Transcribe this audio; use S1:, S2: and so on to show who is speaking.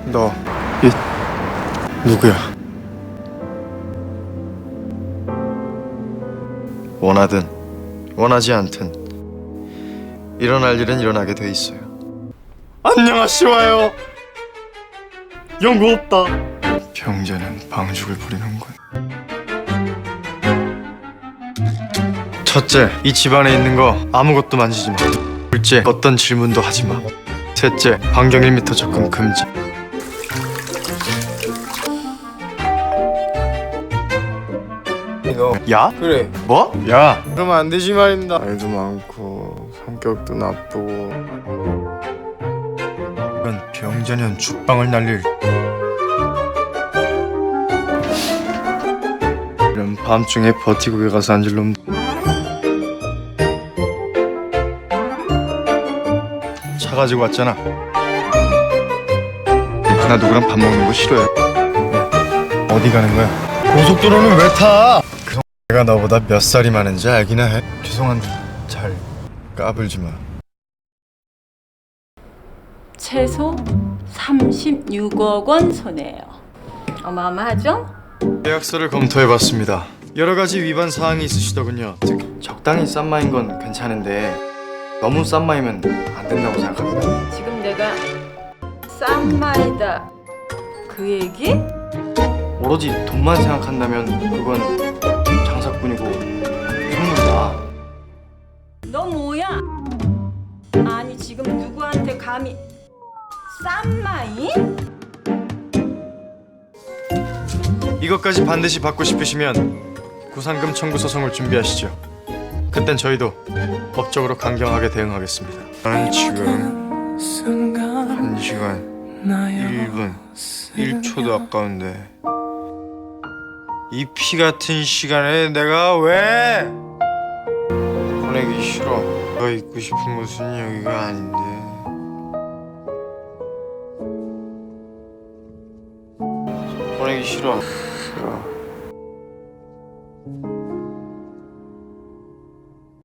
S1: 너 누구야? 원하든 원하지 않든 일어날 일은 일어나게 돼 있어요. 안녕하시와요. 연구 없다. 병자는 방죽을 부리는군. 첫째, 이 집안에 있는 거 아무것도 만지지 마. 둘째, 어떤 질문도 하지 마. 셋째, 반경 1m 접근 금지.
S2: 너
S1: 야?
S2: 그래
S1: 뭐? 야!
S2: 그러면 안 되지 말입니다. 말도 많고 성격도 나쁘고.
S1: 이런 병자년 죽방을 날릴 이런 밤중에 버티고 가서 앉을 놈. 차 가지고 왔잖아. 나 누구랑 밥 먹는 거 싫어요. 어디 가는 거야? 고속도로는 왜 타? 내가 너보다 몇 살이 많은지 알기나 해. 죄송한데 잘 까불지 마.
S3: 최소 36억 원 손해예요. 어마어마하죠?
S1: 계약서를 검토해봤습니다. 여러 가지 위반 사항이 있으시더군요. 즉 적당히 싼 마인 건 괜찮은데 너무 싼 마이면 안 된다고 생각합니다.
S3: 지금 내가 싼 말이다 그 얘기?
S1: 오로지 돈만 생각한다면 그건 장사꾼이고 선물이다.
S3: 너 뭐야? 아니 지금 누구한테 감히 싼 마이?
S1: 이것까지 반드시 받고 싶으시면 구상금 청구 소송을 준비하시죠. 그땐 저희도 법적으로 강경하게 대응하겠습니다. 나는 지금 1시간 1분 1초도 아까운데 이 피 같은 시간에 내가 왜 보내기 싫어. 내가 있고 싶은 곳은 여기가 아닌데. 보내기 싫어.